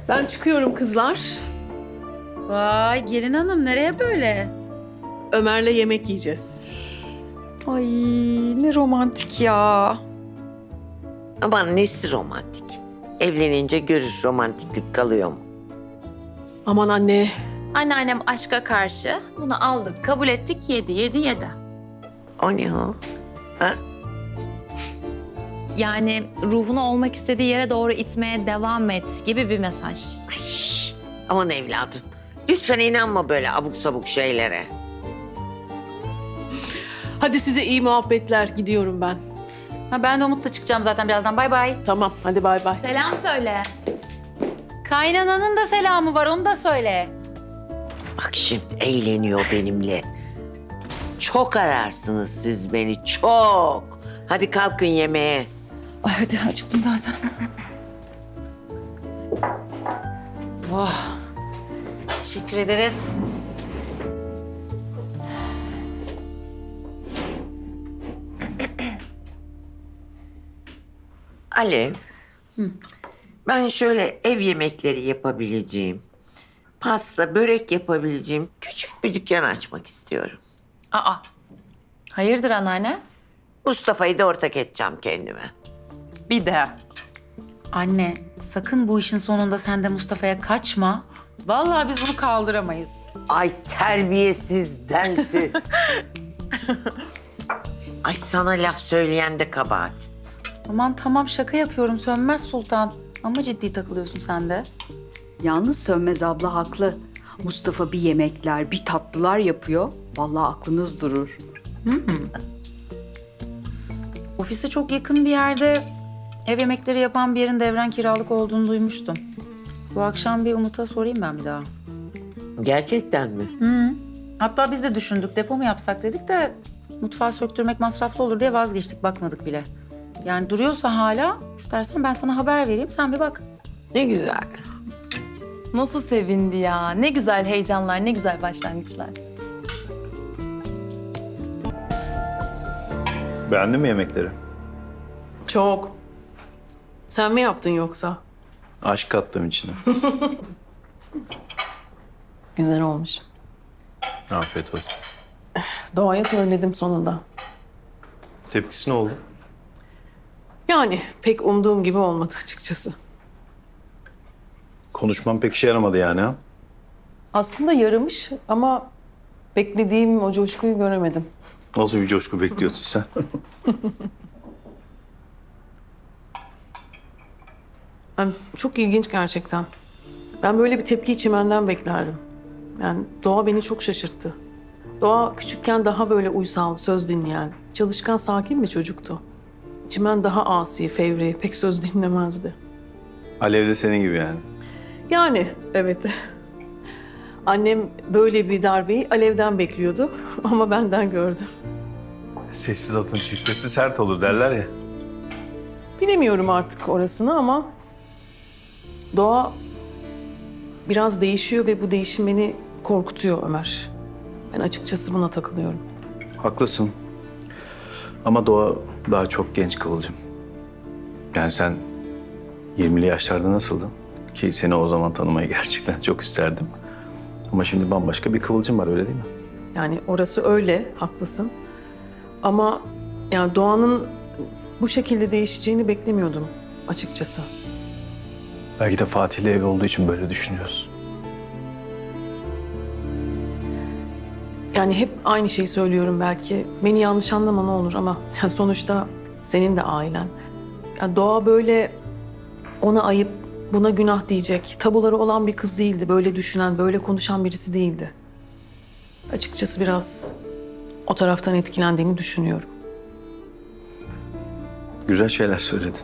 Ben çıkıyorum kızlar. Vay gelin hanım nereye böyle? Ömer'le yemek yiyeceğiz. Ay ne romantik ya. Aman nesi romantik? Evlenince görür romantiklik kalıyor mu? Aman anne. Anneannem aşka karşı. Bunu aldık, kabul ettik, yedi. O ne o? Ha? Yani ruhunu olmak istediği yere doğru itmeye devam et gibi bir mesaj. Ay, aman evladım. Lütfen inanma böyle abuk sabuk şeylere. Hadi size iyi muhabbetler. Gidiyorum ben. Ha, ben de Umut'la çıkacağım zaten birazdan. Bay bay. Tamam, hadi bay bay. Selam söyle. Kaynananın da selamı var onu da söyle. Bak şimdi eğleniyor benimle. Çok ararsınız siz beni, çok. Hadi kalkın yemeğe. Ay hadi acıktım zaten. Oh. Teşekkür ederiz. Alev, ben şöyle ev yemekleri yapabileceğim, pasta, börek yapabileceğim küçük bir dükkan açmak istiyorum. Aa, hayırdır anneanne? Mustafa'yı da ortak edeceğim kendime. Bir de. Anne sakın bu işin sonunda sen de Mustafa'ya kaçma. Vallahi biz bunu kaldıramayız. Ay terbiyesiz, densiz. Ay sana laf söyleyen de kabahat. Aman tamam şaka yapıyorum Sönmez Sultan. Ama ciddi takılıyorsun sen de. Yalnız Sönmez abla haklı. Mustafa bir yemekler, bir tatlılar yapıyor. Vallahi aklınız durur. Ofise çok yakın bir yerde ev yemekleri yapan bir yerin devren kiralık olduğunu duymuştum. Bu akşam bir Umut'a sorayım ben bir daha. Gerçekten mi? Hatta biz de düşündük depo mu yapsak dedik de mutfağı söktürmek masraflı olur diye vazgeçtik bakmadık bile. Yani duruyorsa hala istersen ben sana haber vereyim sen bir bak. Ne güzel. Nasıl sevindi ya. Ne güzel heyecanlar, ne güzel başlangıçlar. Beğendin mi yemekleri? Çok. Sen mi yaptın yoksa? Aşk kattım içine. Güzel olmuş. Afiyet olsun. Doğaya söyledim sonunda. Tepkisi ne oldu? Yani pek umduğum gibi olmadı açıkçası. Konuşmam pek işe yaramadı yani ha? Aslında yaramış ama beklediğim o coşkuyu göremedim. Nasıl bir coşku bekliyordun sen? Yani çok ilginç gerçekten. Ben böyle bir tepkiyi Çimen'den beklerdim. Yani Doğa beni çok şaşırttı. Doğa küçükken daha böyle uysal, söz dinleyen, çalışkan, sakin bir çocuktu. Çimen daha asi, fevri, pek söz dinlemezdi. Alev de senin gibi yani. Yani evet. Annem böyle bir darbeyi Alev'den bekliyordu ama benden gördü. Sessiz atın çiftesi sert olur derler ya. Bilemiyorum artık orasını ama Doğa biraz değişiyor ve bu değişim beni korkutuyor Ömer. Ben açıkçası buna takılıyorum. Haklısın. Ama Doğa daha çok genç Kıvılcım. Yani sen 20'li yaşlarda nasıldın? Ki seni o zaman tanımayı gerçekten çok isterdim. Ama şimdi bambaşka bir Kıvılcım var öyle değil mi? Yani orası öyle, haklısın. Ama yani Doğan'ın bu şekilde değişeceğini beklemiyordum açıkçası. Belki de Fatih'le ev olduğu için böyle düşünüyoruz. Yani hep aynı şeyi söylüyorum belki. Beni yanlış anlama ne olur ama yani sonuçta senin de ailen. Yani Doğa böyle ona ayıp, buna günah diyecek, tabuları olan bir kız değildi. Böyle düşünen, böyle konuşan birisi değildi. Açıkçası biraz o taraftan etkilendiğini düşünüyorum. Güzel şeyler söyledin.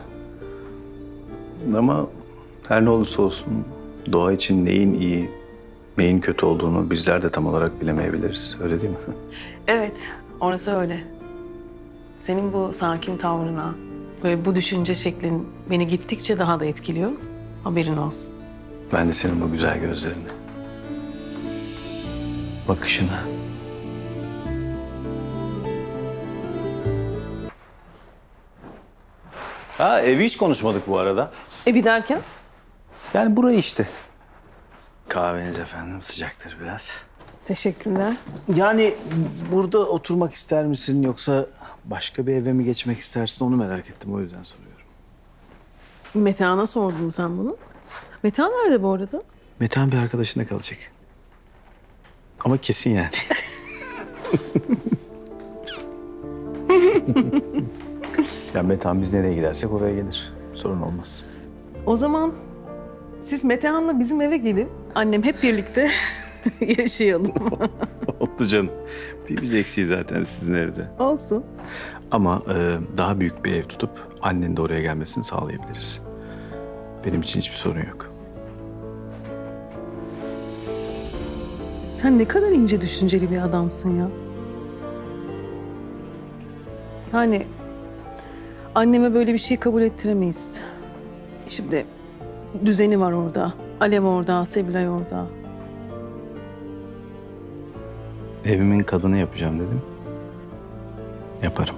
Ama her ne olursa olsun doğa için neyin iyi, neyin kötü olduğunu bizler de tam olarak bilemeyebiliriz. Öyle değil mi? Evet, orası öyle. Senin bu sakin tavrına ve bu düşünce şeklin beni gittikçe daha da etkiliyor. Haberin olsun. Ben de senin bu güzel gözlerini, bakışını. Ha evi hiç konuşmadık bu arada. Evi derken? Yani burayı işte. Kahveniz efendim sıcaktır biraz. Teşekkürler. Yani burada oturmak ister misin yoksa başka bir eve mi geçmek istersin onu merak ettim o yüzden soruyorum. Metehan'a sordun sen bunu. Metehan nerede bu arada? Metehan bir arkadaşında kalacak. Ama kesin yani. Ya Metehan biz nereye gidersek oraya gelir. Sorun olmaz. O zaman siz Metehan'la bizim eve gelin. Annem hep birlikte yaşayalım. Oldu canım. Bir biz eksiği zaten sizin evde. Olsun. Ama daha büyük bir ev tutup annenin de oraya gelmesini sağlayabiliriz. Benim için hiçbir sorun yok. Sen ne kadar ince düşünceli bir adamsın ya. Yani anneme böyle bir şey kabul ettiremeyiz. Şimdi düzeni var orada. Alev orada, Sevilay orada. Evimin kadını yapacağım dedim. Yaparım.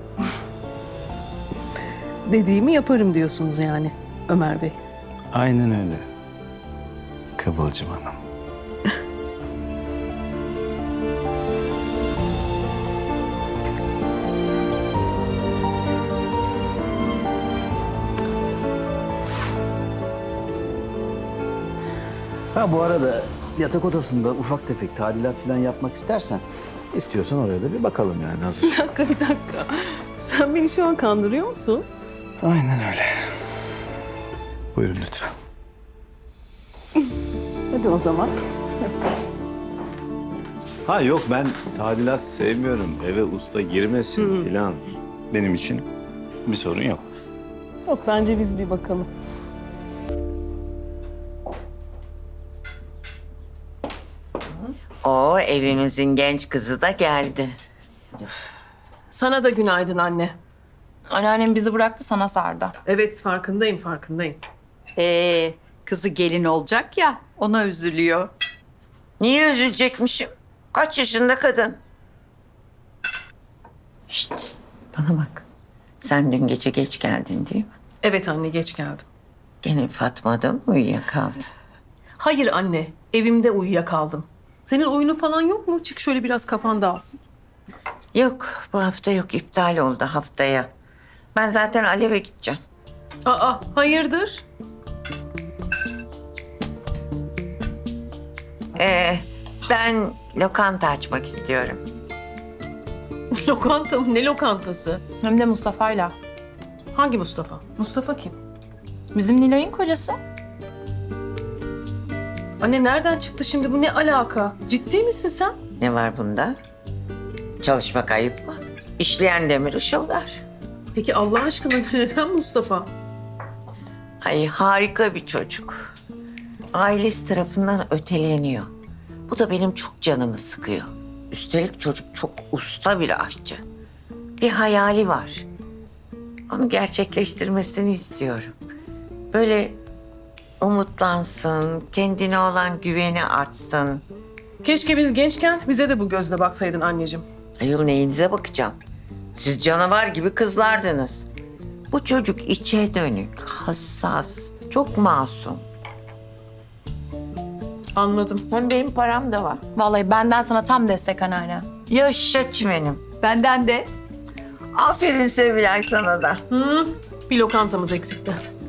Dediğimi yaparım diyorsunuz yani Ömer Bey. Aynen öyle. Kıvılcım Hanım. Ha bu arada yatak odasında ufak tefek tadilat falan yapmak istersen istiyorsan oraya da bir bakalım yani hazır. Bir dakika. Sen beni şu an kandırıyor musun? Aynen öyle. Buyurun lütfen. Hadi o zaman. Ha yok ben tadilat sevmiyorum. Eve usta girmesin filan. Benim için bir sorun yok. Yok bence biz bir bakalım. O evimizin genç kızı da geldi. Sana da günaydın anne. Anneannem bizi bıraktı, sana sardı. Evet farkındayım. Kızı gelin olacak ya, ona üzülüyor. Niye üzülecekmişim? Kaç yaşında kadın? Şşt, bana bak. Sen dün gece geç geldin değil mi? Evet anne geç geldim. Gene Fatma'da mı uyuyakaldın? Hayır anne evimde uyuyakaldım. Senin oyunu falan yok mu? Çık şöyle biraz kafan dağılsın. Yok, bu hafta yok. İptal oldu haftaya. Ben zaten Alev'e gideceğim. Aa hayırdır? Ben lokanta açmak istiyorum. Lokanta mı? Ne lokantası? Hem de Mustafa'yla. Hangi Mustafa? Mustafa kim? Bizim Nilay'ın kocası. Anne nereden çıktı şimdi bu ne alaka? Ciddi misin sen? Ne var bunda? Çalışmak ayıp mı? İşleyen demir ışıldar. Peki Allah aşkına neden Mustafa? Ay harika bir çocuk. Ailesi tarafından öteleniyor. Bu da benim çok canımı sıkıyor. Üstelik çocuk çok usta bir aşçı. Bir hayali var. Onu gerçekleştirmesini istiyorum. Böyle umutlansın, kendine olan güveni artsın. Keşke biz gençken bize de bu gözle baksaydın anneciğim. Ayol neyinize bakacağım? Siz canavar gibi kızlardınız. Bu çocuk içe dönük, hassas, çok masum. Anladım. Hem benim param da var. Vallahi benden sana tam destek anneanne. Yaşa çimenim. Benden de. Aferin Sevilay sana da. Bir lokantamız eksikti.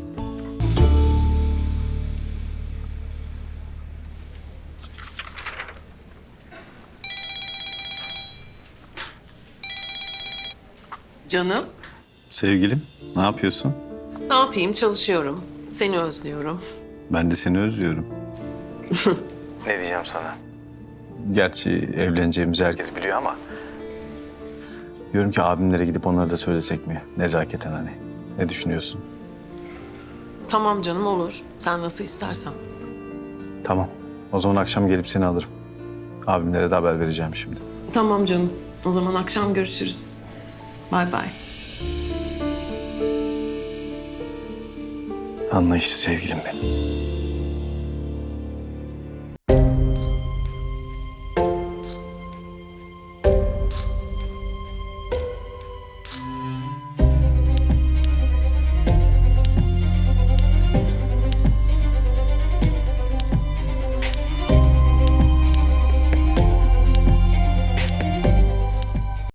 Canım, Sevgilim ne yapıyorsun? ne yapayım? Çalışıyorum. Seni özlüyorum. Ben de seni özlüyorum. Ne diyeceğim sana? Gerçi evleneceğimizi herkes biliyor ama... Diyorum ki abimlere gidip onlara da söylesek mi? Nezaketen hani. Ne düşünüyorsun? Tamam canım olur. Sen nasıl istersen. Tamam. O zaman akşam gelip seni alırım. Abimlere de haber vereceğim şimdi. Tamam canım. O zaman akşam görüşürüz. Bay bay. Anlayışlı sevgilim benim.